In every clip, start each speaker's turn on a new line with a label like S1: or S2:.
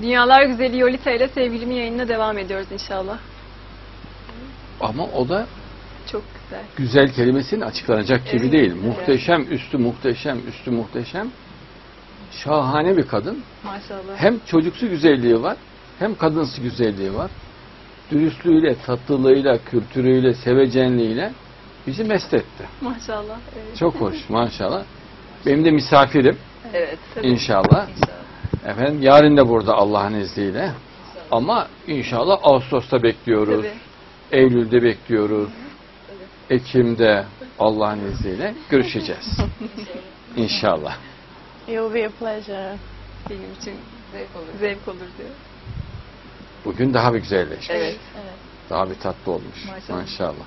S1: Dünyalar Güzeli Yolita ile sevgilimin yayınına devam ediyoruz inşallah.
S2: Ama o da
S1: Çok güzel.
S2: güzel kelimesinin açıklanacak gibi
S1: Evet.
S2: değil. Muhteşem, üstü muhteşem, üstü muhteşem. Şahane bir kadın.
S1: Maşallah.
S2: Hem çocuksu güzelliği var, hem kadınsı güzelliği var. Dürüstlüğüyle, tatlılığıyla, kültürüyle, sevecenliğiyle bizi mest etti.
S1: Maşallah. Evet.
S2: Çok hoş maşallah. Benim de misafirim
S3: Evet.
S1: Tabii.
S2: inşallah.
S3: İnşallah.
S2: Efendim yarın da burada Allah'ın izniyle. Ama inşallah Ağustos'ta bekliyoruz.
S1: Tabii.
S2: Eylül'de bekliyoruz. Ekim'de Allah'ın izniyle görüşeceğiz. İnşallah.
S4: It will be a pleasure.
S1: Benim için
S3: Zevk olur.
S1: zevk olur diyor.
S2: Bugün daha bir güzelleşmiş.
S3: Evet.
S4: Evet.
S2: Daha bir tatlı olmuş.
S1: Maşallah.
S2: Maşallah.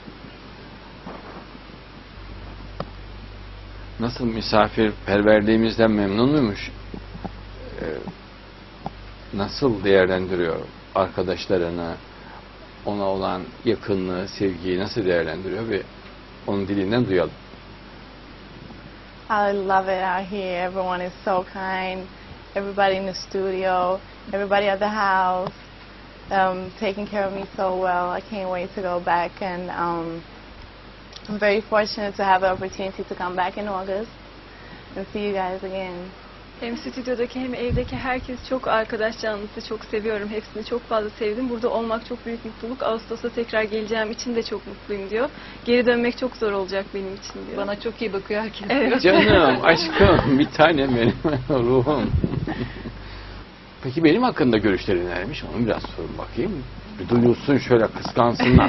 S2: Nasıl misafirperverliğimizden memnun muymuş? Nasıl değerlendiriyor arkadaşlarını, ona olan yakınlığı, sevgiyi nasıl değerlendiriyor ve onun dilinden duyalım.
S4: I love it out here. Everyone is so kind. Everybody in the studio, everybody at the house, taking care of me so well. I can't wait to go back, and I'm very fortunate to have the opportunity to come back in August and see you guys again.
S1: Hem stüdyodaki hem evdeki herkes çok arkadaş canlısı, çok seviyorum. Hepsini çok fazla sevdim. Burada olmak çok büyük mutluluk. Ağustos'ta tekrar geleceğim için de çok mutluyum diyor. Geri dönmek çok zor olacak benim için diyor.
S3: Bana çok iyi bakıyor herkes.
S1: Evet.
S2: Canım, aşkım, bir tanem benim, ruhum. Peki benim hakkında görüşleri neymiş? Onu biraz sorun bakayım. Bir duyulsun şöyle, kıskansınlar.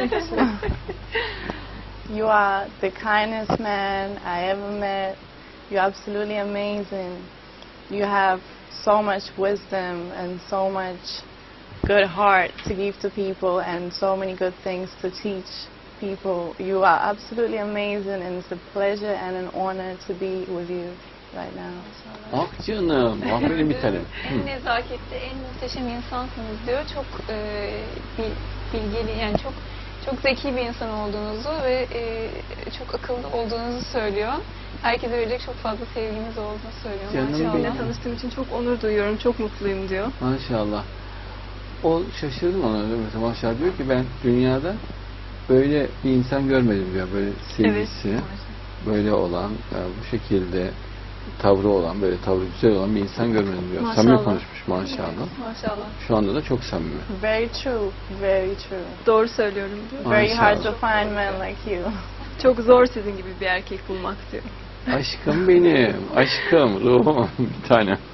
S4: You are the kindest man I ever met. You're absolutely amazing. You have so much wisdom and so much good heart to give to people and so many good things to teach people. You are absolutely amazing, and it's a pleasure and an honor to be with you right now.
S2: Ah canım, ah benim bir tanem.
S5: En nezaketli, en muhteşem insansınız diyor. Çok bilgili, yani çok zeki bir insan olduğunuzu ve çok akıllı olduğunuzu söylüyor. Herkese verecek çok fazla sevginiz olduğunu söylüyor.
S2: Canım
S5: Maşallah.
S2: benim.
S1: Seninle tanıştığım için çok onur duyuyorum. Çok mutluyum diyor.
S2: Maşallah. O şaşırdım ona. Mesela maşallah diyor ki ben dünyada böyle bir insan görmedim diyor. Böyle sevgisi, böyle olan, bu şekilde tavrı olan, böyle tavrı güzel olan bir insan görmedim diyor.
S1: Maşallah.
S2: Samimi konuşmuş maşallah.
S1: Maşallah.
S2: Şu anda da çok samimi.
S4: Very true, very true.
S1: Doğru söylüyorum diyor.
S4: Very hard
S2: Maşallah.
S4: to find men like you.
S1: Çok zor sizin gibi bir erkek bulmak diyor.
S2: Aşkım benim, aşkım, ruhum, bir tanem.